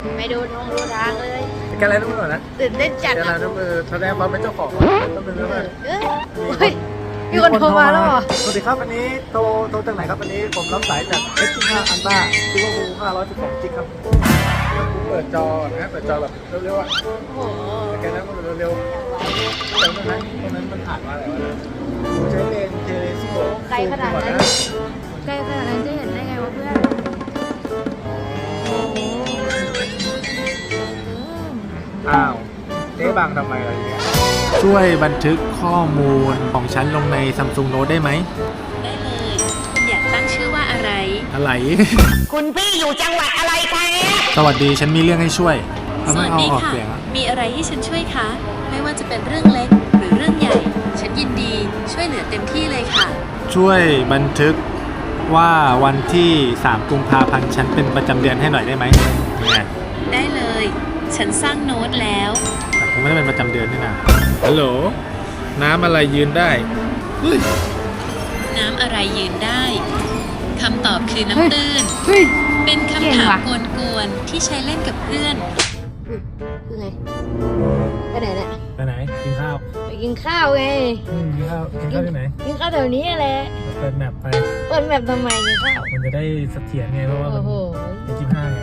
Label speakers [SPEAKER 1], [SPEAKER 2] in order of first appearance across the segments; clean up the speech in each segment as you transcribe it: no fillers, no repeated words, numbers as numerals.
[SPEAKER 1] ไม่ดูทางเลย
[SPEAKER 2] กันอะไรน้ำมือนะ
[SPEAKER 1] ตื่นเต้นจัด
[SPEAKER 2] กันอะไร
[SPEAKER 1] อ่ะ
[SPEAKER 2] น้ำมือแสดงความเป็นเจ้าของต้องเป็นเรื่อง
[SPEAKER 1] เฮ้ยมีคนโทรมาแล้วเหรอ
[SPEAKER 2] สวัสดีครับวันนี้โทรจากไหนครับวันนี้ผมรับสายจาก S15 Ultra ซิลเวอร์พู512 g ครับเปิดจอนะเปิดจอแบบเร็วๆอ่ะ
[SPEAKER 1] โอ้โห
[SPEAKER 2] แกนั้นมันเร็วๆแต่ตรงนั้นมันผ่านมาอะไรวะใช้เลนเทเลสโคป
[SPEAKER 1] ไกลขนาดนั้นไกลขนาดนั้นจะเห็นได้ไงวะเพื่อนโอ้โห
[SPEAKER 2] อ้าวเจ๊บังทำไมอะไรอย่างเงี้ยช่วยบันทึกข้อมูลของฉันลงใน Samsung Note ได้ไหม
[SPEAKER 3] ได้เลย คุณอยากตั้งชื่อว่าอะไร
[SPEAKER 2] อะไร
[SPEAKER 1] คุณพี่อยู่จังหวัดอะไรคะ
[SPEAKER 2] สวัสดีฉันมีเรื่องให้ช่วย
[SPEAKER 3] สวัสดีค่ะ มีอะไรให้ฉันช่วยคะ ไม่ว่าจะเป็นเรื่องเล็กหรือเรื่องใหญ่ ฉันยินดีช่วยเหลือเต็มที่เลยค่ะ
[SPEAKER 2] ช่วยบันทึกว่าวันที่3กุมภาพันธ์ฉันเป็นประจำเดือนให้หน่อยได้ไหมเนี่ย
[SPEAKER 3] ได้เลย ฉันสร้างโน้ตแล้ว
[SPEAKER 2] แต่คงไม่ได้เป็นประจำเดือนนี่นะฮัลโหลน้ำอะไรยืนได้เฮ้ย
[SPEAKER 3] น้ำอะไรยืนได้ คำตอบคือน้ำตื้น
[SPEAKER 1] เฮ้ย
[SPEAKER 3] เป็น
[SPEAKER 1] เก่
[SPEAKER 3] คำ
[SPEAKER 1] ง
[SPEAKER 3] ถาม
[SPEAKER 1] ว่ะ
[SPEAKER 3] กวนๆที่ใช้เล่นกับเพื่อน
[SPEAKER 1] คือไงไปไหนเนี่ย
[SPEAKER 2] ไปไหนกินข้าว
[SPEAKER 1] ไปกินข้าวไง
[SPEAKER 2] กินข้าวที่ไหน
[SPEAKER 1] กินข้าวแถวนี้แหละ
[SPEAKER 2] เปิดแมปไป
[SPEAKER 1] เปิดแบบทำไมกินข้าว
[SPEAKER 2] มันจะได้เสถียรไงเพราะว่ามั
[SPEAKER 1] โอ้
[SPEAKER 2] น
[SPEAKER 1] โห
[SPEAKER 2] เป็น25ไง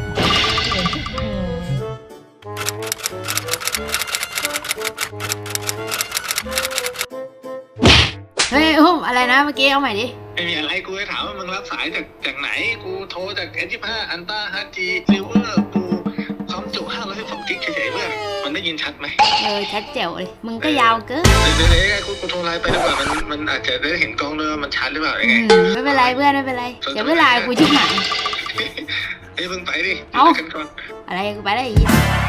[SPEAKER 1] เฮ้ยอุ้มอะไรนะเมื่อกี้เอาใหม่ดิ
[SPEAKER 4] ไม่มีอะไรกูจะถามว่ามึงรับสายจากไหนกูโทรจาก S25 Ultra 5G Silver กูความจุ512 g เฉยๆเพื่อนมันได้ยินชัดไหม
[SPEAKER 1] ชัดแจ๋วเลยมึงก็ยาวเกิน
[SPEAKER 4] เดี๋ยวกูโทรไลน์ไปดีกว่ามันอาจจะได้เห็นกล้องด้วยว่ามันชัดหรือเปล่ายังไง
[SPEAKER 1] ไม่เป็นไรเพื่อนไม่เป็นไรเดี๋ยวเวลากูชิบหาย
[SPEAKER 4] เฮ้ยมึงไปดิ
[SPEAKER 1] เอ้า
[SPEAKER 4] กันก่อน
[SPEAKER 1] อะไรกูไปได้อีก